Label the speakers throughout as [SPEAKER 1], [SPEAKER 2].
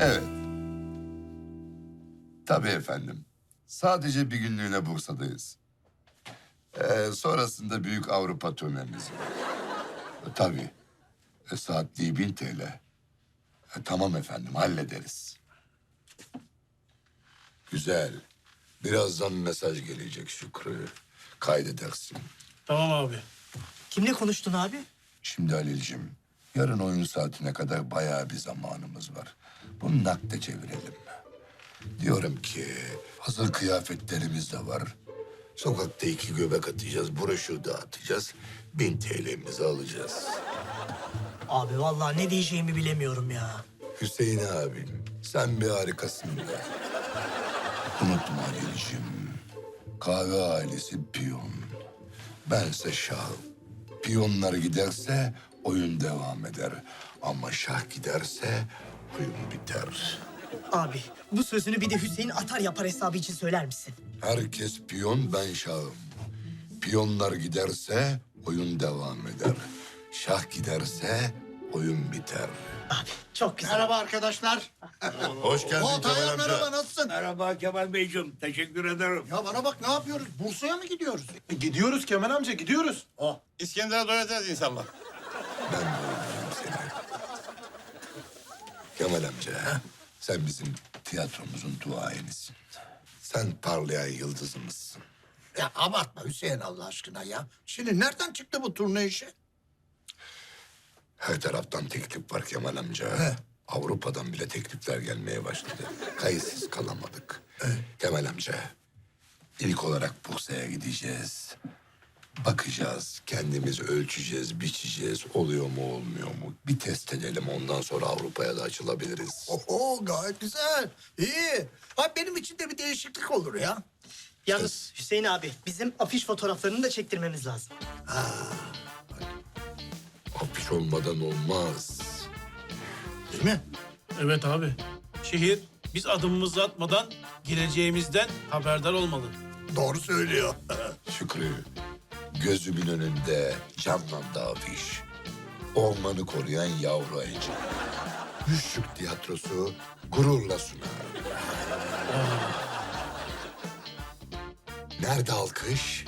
[SPEAKER 1] Evet. Tabii efendim. Sadece bir günlüğüne Bursa'dayız. Sonrasında büyük Avrupa turnemiz var. Tabii. Saatliği 1000 TL. Tamam efendim, hallederiz. Güzel. Birazdan mesaj gelecek Şükrü. Kaydedersin.
[SPEAKER 2] Tamam abi.
[SPEAKER 3] Kimle konuştun abi?
[SPEAKER 1] Şimdi Halil'cim, yarın oyun saatine kadar bayağı bir zamanımız var. Bunu nakde çevirelim. Diyorum ki, hazır kıyafetlerimiz de var. Sokakta 2 göbek atacağız, broşür dağıtacağız. 1000 TL'mizi alacağız.
[SPEAKER 3] Abi vallahi ne diyeceğimi bilemiyorum ya.
[SPEAKER 1] Hüseyin abim, sen bir harikasın be. Unutma Halil'cim, kahve ailesi piyon. Bense şah. Piyonlar giderse oyun devam eder. Ama şah giderse oyun biter.
[SPEAKER 3] Abi bu sözünü bir de Hüseyin atar yapar hesabı için söyler misin?
[SPEAKER 1] Herkes piyon, ben şahım. Piyonlar giderse oyun devam eder. Şah giderse oyun biter.
[SPEAKER 3] Abi çok güzel.
[SPEAKER 4] Merhaba arkadaşlar.
[SPEAKER 1] Hoş geldin
[SPEAKER 4] Tayyar
[SPEAKER 1] Kemal amca.
[SPEAKER 4] merhaba, nasılsın?
[SPEAKER 5] Merhaba Kemal Beyciğim. Teşekkür ederim.
[SPEAKER 4] Ya bana bak, ne yapıyoruz? Bursa'ya mı gidiyoruz?
[SPEAKER 6] Gidiyoruz Kemal amca, gidiyoruz.
[SPEAKER 5] İskender'e doyacağız inşallah.
[SPEAKER 1] Ben doyuracağım seni. Kemal amca, sen bizim tiyatromuzun duayenisin. Sen parlayan yıldızımızsın.
[SPEAKER 4] Ya abartma Hüseyin Allah aşkına ya. Şimdi nereden çıktı bu turne işi?
[SPEAKER 1] Her taraftan teklif var Kemal amca. Avrupa'dan bile teklifler gelmeye başladı. Kayıtsız kalamadık. Kemal amca, ilk olarak Bursa'ya gideceğiz. Bakacağız, kendimiz ölçeceğiz, biçeceğiz. Oluyor mu, olmuyor mu? Bir test edelim, ondan sonra Avrupa'ya da açılabiliriz.
[SPEAKER 4] Oho, gayet güzel. İyi. Ha, benim için de bir değişiklik olur ya.
[SPEAKER 3] Yalnız Hüseyin abi bizim afiş fotoğraflarını da çektirmemiz lazım.
[SPEAKER 1] Afiş olmadan olmaz.
[SPEAKER 4] Değil mi?
[SPEAKER 2] Evet abi. Şehir biz adımımızı atmadan gireceğimizden haberdar olmalı.
[SPEAKER 4] Doğru söylüyor.
[SPEAKER 1] Şükrü, gözümün önünde canlandı afiş. Ormanı koruyan yavru ayıcı. Müşrik tiyatrosu gururla sunar. Nerede alkış?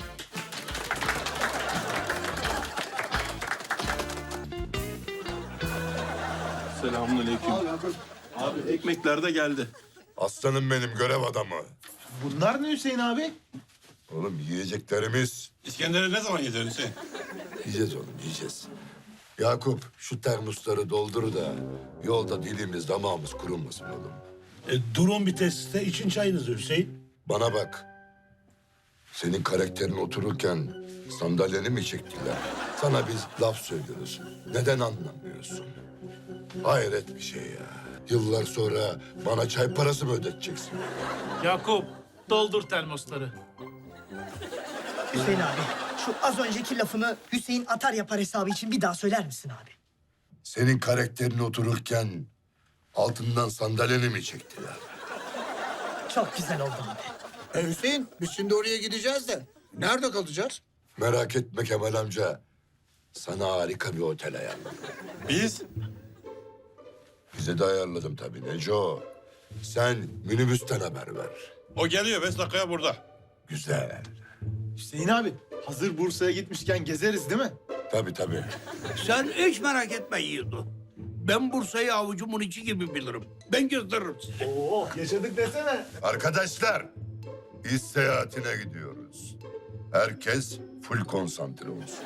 [SPEAKER 6] Selamünaleyküm. Abi ekmekler de geldi.
[SPEAKER 1] Aslanım benim, görev adamı.
[SPEAKER 6] Bunlar ne Hüseyin abi?
[SPEAKER 1] Oğlum yiyeceklerimiz.
[SPEAKER 5] İskender'e ne zaman gidiyorsun Hüseyin?
[SPEAKER 1] Yiyeceğiz oğlum, yiyeceğiz. Yakup, şu termosları doldur da yolda dilimiz damağımız kurumasın oğlum.
[SPEAKER 5] Durun bir tesiste için çayınızı Hüseyin.
[SPEAKER 1] Bana bak. Senin karakterin otururken sandalyeni mi çektiler? Sana biz laf söylüyoruz. Neden anlamıyorsun? Hayret bir şey ya. Yıllar sonra bana çay parası mı ödeteceksin?
[SPEAKER 2] Yakup doldur termosları.
[SPEAKER 3] Hüseyin abi şu az önceki lafını Hüseyin atar yapar hesabı için bir daha söyler misin abi?
[SPEAKER 1] Senin karakterin otururken altından sandalyeni mi çektiler?
[SPEAKER 3] Çok güzel oldu abi.
[SPEAKER 4] Hüseyin, biz şimdi oraya gideceğiz de nerede kalacağız?
[SPEAKER 1] Merak etme Kemal amca. Sana harika bir otel ayarladım.
[SPEAKER 5] Biz?
[SPEAKER 1] Bize de ayarladım tabii Neco. Sen minibüsten haber ver.
[SPEAKER 5] O geliyor 5 dakikaya burada.
[SPEAKER 1] Güzel.
[SPEAKER 6] Hüseyin abi, hazır Bursa'ya gitmişken gezeriz değil mi?
[SPEAKER 1] Tabii tabii.
[SPEAKER 5] Sen hiç merak etme Yiğido. Ben Bursa'yı avucumun içi gibi bilirim. Ben gösteririm size.
[SPEAKER 6] Oo, yaşadık desene.
[SPEAKER 1] Arkadaşlar, iş seyahatine gidiyoruz. Herkes full konsantre olsun.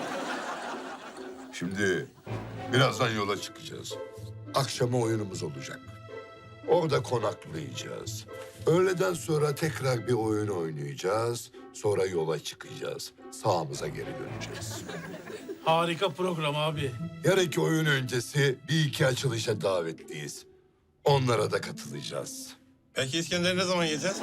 [SPEAKER 1] Şimdi birazdan yola çıkacağız. Akşama oyunumuz olacak. Orada konaklayacağız. Öğleden sonra tekrar bir oyun oynayacağız. Sonra yola çıkacağız. Sağımıza geri döneceğiz.
[SPEAKER 2] Harika program abi.
[SPEAKER 1] Yarınki oyun öncesi bir iki açılışa davetliyiz. Onlara da katılacağız.
[SPEAKER 5] Peki İskender'e ne zaman yiyeceğiz?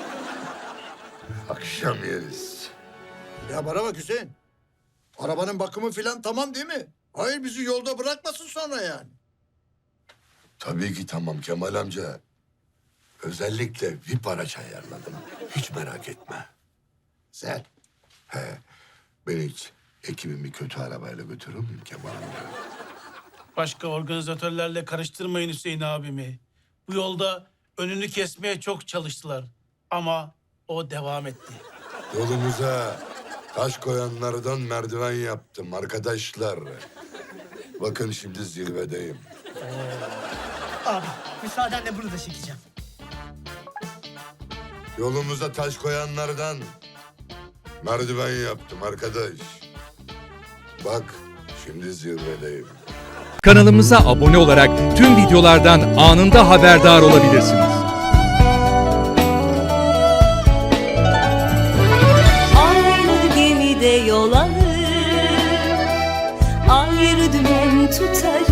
[SPEAKER 1] Akşam yeriz.
[SPEAKER 4] Ya bana bak Hüseyin. Arabanın bakımı falan tamam değil mi? Hayır, bizi yolda bırakmasın sonra yani.
[SPEAKER 1] Tabii ki tamam Kemal amca. Özellikle VIP araç ayarladım. Hiç merak etme.
[SPEAKER 4] Güzel.
[SPEAKER 1] Ben hiç ekibimi kötü arabayla götürür müyüm Kemal amca?
[SPEAKER 2] Başka organizatörlerle karıştırmayın Hüseyin abimi. Bu yolda Önünü kesmeye çok çalıştılar. Ama o devam etti.
[SPEAKER 1] Yolumuza taş koyanlardan merdiven yaptım arkadaşlar. Bakın şimdi zirvedeyim.
[SPEAKER 3] Abi müsaadenle bunu da çekeceğim.
[SPEAKER 1] Yolumuza taş koyanlardan merdiven yaptım arkadaş. Bak şimdi zirvedeyim.
[SPEAKER 7] Kanalımıza abone olarak tüm videolardan anında haberdar olabilirsiniz.
[SPEAKER 8] Aynı gemide yol alır, ayrı dümen tutarız.